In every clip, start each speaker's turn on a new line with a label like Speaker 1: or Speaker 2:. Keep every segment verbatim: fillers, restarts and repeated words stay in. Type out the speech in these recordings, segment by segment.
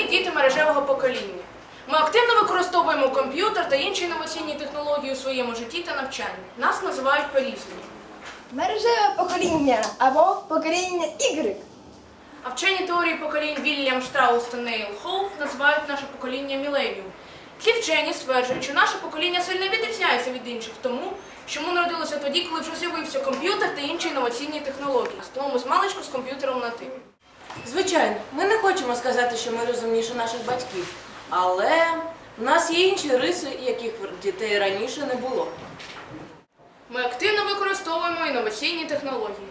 Speaker 1: діти мережевого покоління. Ми активно використовуємо комп'ютер та інші інноваційні технології у своєму житті та навчанні. Нас називають по-різному.
Speaker 2: Мережеве покоління або покоління ігри.
Speaker 1: А вчені теорії поколінь Вільям Штраус та Нейл Хоуп називають наше покоління міленіум. Ці вчені стверджують, що наше покоління сильно відрізняється від інших тому, що ми народилися тоді, коли вже з'явився комп'ютер та інші інноваційні технології. Тому ми з маличку з комп'ютером на «ти».
Speaker 3: Звичайно, ми не хочемо сказати, що ми розумніші наших батьків, але в нас є інші риси, яких в дітей раніше не було.
Speaker 1: Ми активно використовуємо інноваційні технології.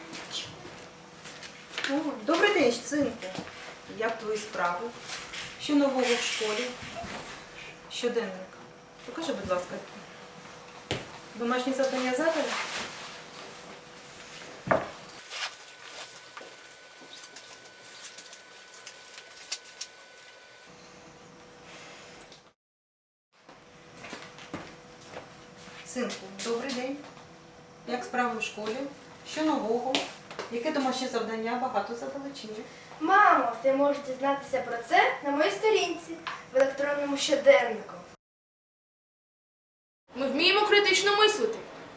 Speaker 4: О, добрий день, синку. Як твої справи? Що нового в школі? Щоденник. Покажи, будь ласка. Домашні завдання задали? Синку, добрий день. Як справи в школі? Що нового? Яке домашнє завдання? Багато задали чи ні?
Speaker 2: Мамо, ти можеш дізнатися про це на моїй сторінці в електронному щоденнику.
Speaker 1: Ми вміємо критично мислити.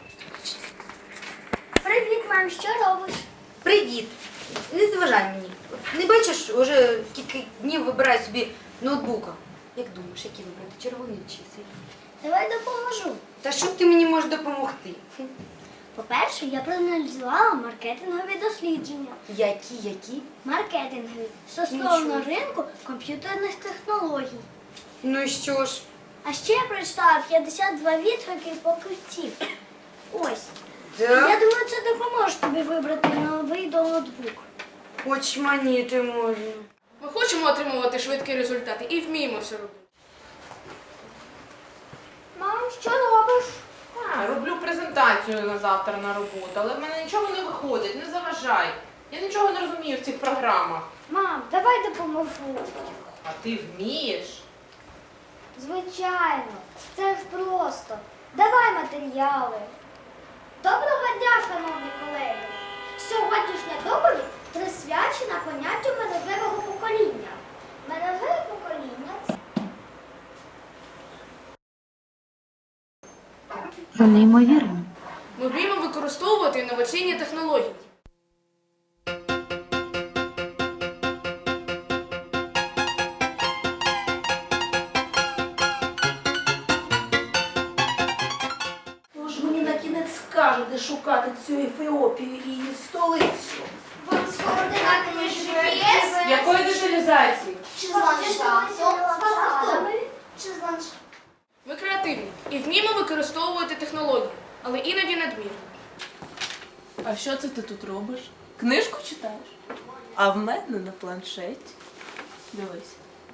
Speaker 2: Привіт, мам, що робиш?
Speaker 5: Привіт! Не зважай мені. Не бачиш, уже скільки днів вибираю собі ноутбука. Як думаєш, які вибрати, червоний чи синій?
Speaker 2: Давай допоможу.
Speaker 5: Та що ти мені можеш допомогти?
Speaker 6: По-перше, я проаналізувала маркетингові дослідження.
Speaker 5: Які, які?
Speaker 6: Маркетингові стосовно
Speaker 5: Нічого.
Speaker 6: ринку комп'ютерних технологій.
Speaker 5: Ну і що ж?
Speaker 6: А ще я прочитала п'ятдесят два відгуки покупців. Ось. Я
Speaker 5: Так?
Speaker 6: думаю, це допоможе тобі вибрати новий ноутбук.
Speaker 5: Очманіти можна.
Speaker 1: Ми хочемо отримувати швидкі результати і вміємо це робити.
Speaker 6: Мам, що робиш?
Speaker 7: А, роблю презентацію на завтра на роботу, але в мене нічого не виходить, не заважай. Я нічого не розумію в цих програмах.
Speaker 6: Мам, давай допоможу.
Speaker 7: А ти вмієш?
Speaker 6: Звичайно, це ж просто. Давай матеріали. Доброго дня, шановні колеги! Сьогоднішня доповідь присвячена поняттю мережевого покоління. Мережеве покоління – це
Speaker 8: Це неймовірно.
Speaker 1: Ми вміємо використовувати інноваційні технології.
Speaker 9: Тож мені на кінець скаже, де шукати цю Ефіопію і її столицю.
Speaker 6: вам з координатами джі пі ес
Speaker 7: Якої деталізації?
Speaker 6: чи з ландшафтом, чи з ландшафтом.
Speaker 1: Ми креативні і вміємо використовувати технології, але іноді надмірно.
Speaker 3: А що це ти тут робиш? Книжку читаєш? А в мене на планшеті. Дивись.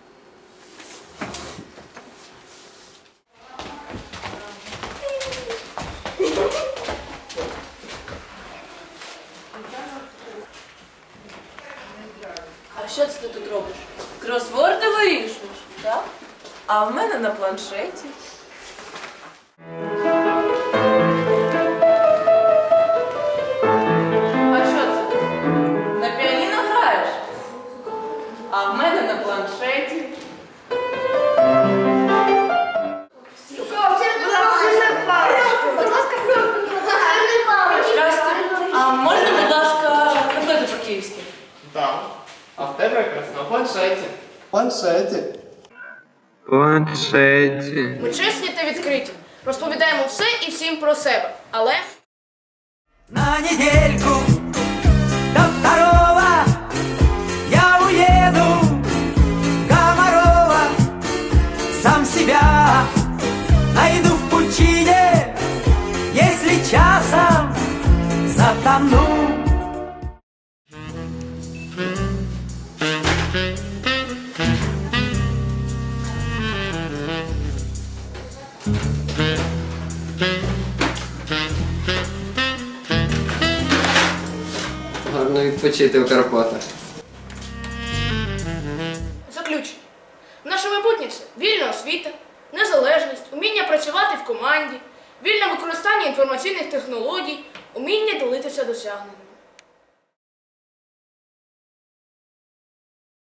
Speaker 3: А що це ти тут робиш? Кросворди вирішуєш, так? А в мене на планшеті. А що це? На піаніно граєш? А в мене на планшеті. Здрасте. А можна, будь ласка, приклади по-київськи?
Speaker 10: Так. А в тебе якраз на планшеті. Планшеті.
Speaker 8: Планшеті.
Speaker 1: Ми чесні та відкриті. Розповідаємо все і всім про себе. Але
Speaker 11: На недельку до второго я уеду в Комарова. Сам себя найду в пучине, если часом затону.
Speaker 12: Гарно відпочити у Карпатах.
Speaker 1: заключення. Наше майбутнє – це вільна освіта, незалежність, уміння працювати в команді, вільне використання інформаційних технологій, уміння ділитися досягненнями.